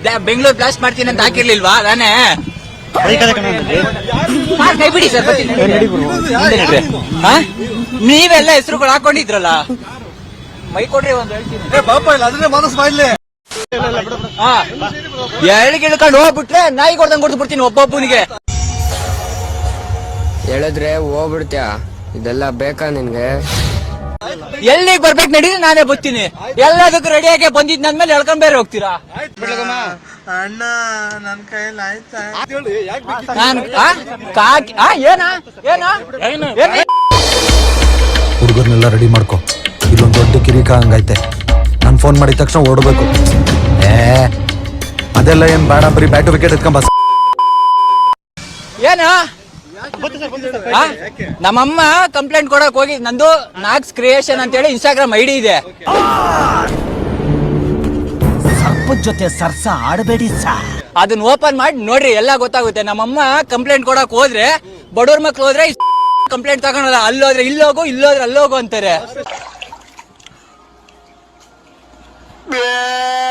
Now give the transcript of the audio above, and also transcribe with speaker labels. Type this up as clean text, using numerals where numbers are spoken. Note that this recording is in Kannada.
Speaker 1: ಬೆಂಗಳೂರು ಬ್ಲಾಸ್ಟ್ ಮಾಡ್ತೀನಿ ಅಂತ ಹಾಕಿರ್ಲಿಲ್ವಾ ನಾನೇ ಕೈ ಬಿಡಿ ಸರ್ ನೀವೆಲ್ಲ ಹೆಸರುಗಳು ಹಾಕೊಂಡಿದ್ರಲ್ಲ ಮೈ ಕೊಡ್ರಿ ಒಂದು ಹೇಳ್ಕೊಂಡು ಹೋಗ್ಬಿಟ್ರೆ ನಾಯಿ ಕೊಡ್ದಂಗ್ ಕೊಡ್ದು ಬಿಡ್ತೀನಿ ಒಬ್ಬೊಬ್ಬನಿಗೆ
Speaker 2: ಹೇಳಿದ್ರೆ ಹೋಗ್ಬಿಡ್ತ್ಯಾ ಇದೆಲ್ಲ ಬೇಕಾ ನಿನ್ಗೆ
Speaker 1: ಎಲ್ಲಿಗೆ ಬರ್ಬೇಕು ನಡೀರಿ ನಾನೇ ಬರ್ತೀನಿ ಎಲ್ಲದಕ್ಕೂ ರೆಡಿಯಾಗಿ ಬಂದಿದ್ ನನ್ಮೇಲೆ ಎಳ್ಕೊಂಡ್ ಬೇರೆ ಹೋಗ್ತೀರಾ
Speaker 3: ಅಣ್ಣ ನನ್ ಕೈಯಲ್ಲಿ ಆಯ್ತಾ
Speaker 4: ಹುಡುಗರ್ನೆಲ್ಲ ರೆಡಿ ಮಾಡ್ಕೊ ಇಲ್ಲೊಂದು ದೊಡ್ಡ ಕಿರಿಕ ಹಂಗೈತೆ ನಾನು ಫೋನ್ ಮಾಡಿದ ತಕ್ಷಣ ಓಡಬೇಕು ಅದೆಲ್ಲ ಏನ್ ಬೇಡ ಬರೀ ಬ್ಯಾಟು ವಿಕೆಟ್ ಎತ್ಕೊಂಬ
Speaker 1: ಏನ ನಮ್ಮಮ್ಮ ಕಂಪ್ಲೇಂಟ್ ಕೊಡಕ್ ಹೋಗಿ ನಂದು ನಾಕ್ಸ್ ಕ್ರಿಯೇಷನ್ ಅಂತ ಹೇಳಿ ಇನ್ಸ್ಟಾಗ್ರಾಮ್ ಐಡಿ ಇದೆ
Speaker 5: ಸರ್ಪದ ಜೊತೆ ಸರ್ಸ ಆಡಬೇಡಿ ಸರ್
Speaker 1: ಅದನ್ನ ಓಪನ್ ಮಾಡಿ ನೋಡ್ರಿ ಎಲ್ಲ ಗೊತ್ತಾಗುತ್ತೆ ನಮ್ಮಮ್ಮ ಕಂಪ್ಲೇಂಟ್ ಕೊಡಕ್ ಹೋದ್ರೆ ಬಡವ್ರ ಮಕ್ಳು ಹೋದ್ರೆ ಕಂಪ್ಲೇಂಟ್ ತಗೊಳಲ್ಲ ಅಲ್ಲೋದ್ರೆ ಇಲ್ಲೋಗು ಇಲ್ಲೋದ್ರೆ ಅಲ್ಲೋಗು ಅಂತಾರೆ